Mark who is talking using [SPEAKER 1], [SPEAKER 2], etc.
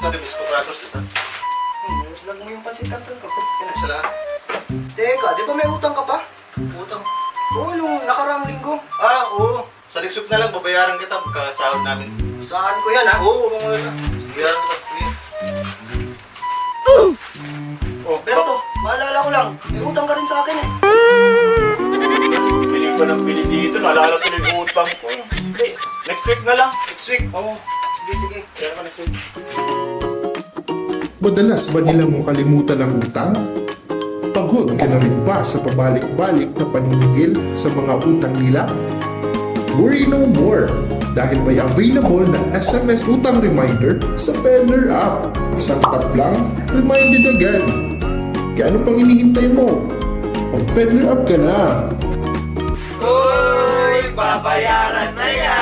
[SPEAKER 1] Nag-miss ko kratos isa.
[SPEAKER 2] Lag mo yung pansit canton ko.
[SPEAKER 1] Yan, isa lang.
[SPEAKER 2] Teka, di ba may utang ka pa?
[SPEAKER 1] Utang.
[SPEAKER 2] Oo, yung nakaraang linggo.
[SPEAKER 1] Ah, oo. Sa next week na lang, babayaran kita pagkasahod namin.
[SPEAKER 2] Saan ko yan, ha?
[SPEAKER 1] Oo, mga wala. Bayaran kita. Sige.
[SPEAKER 2] Berto, maalala ko lang. May utang ka rin sa akin, eh.
[SPEAKER 3] Piling ko ng bili dito, naalala ko yung utang ko. Hindi, next week na lang.
[SPEAKER 2] Next week.
[SPEAKER 3] Oo,
[SPEAKER 2] Sige, sige.
[SPEAKER 3] kaya ko next week.
[SPEAKER 4] Madalas ba nilang makalimutan ang utang? Pagod ka na rin ba sa pabalik-balik na paninigil sa mga utang nila? Worry no more dahil may available na SMS utang reminder sa Peddler app. Isang tap lang, reminded agad. Kaya ano pang hinihintay mo? Mag-Peddler app ka na!
[SPEAKER 1] Uy, babayaran na yan!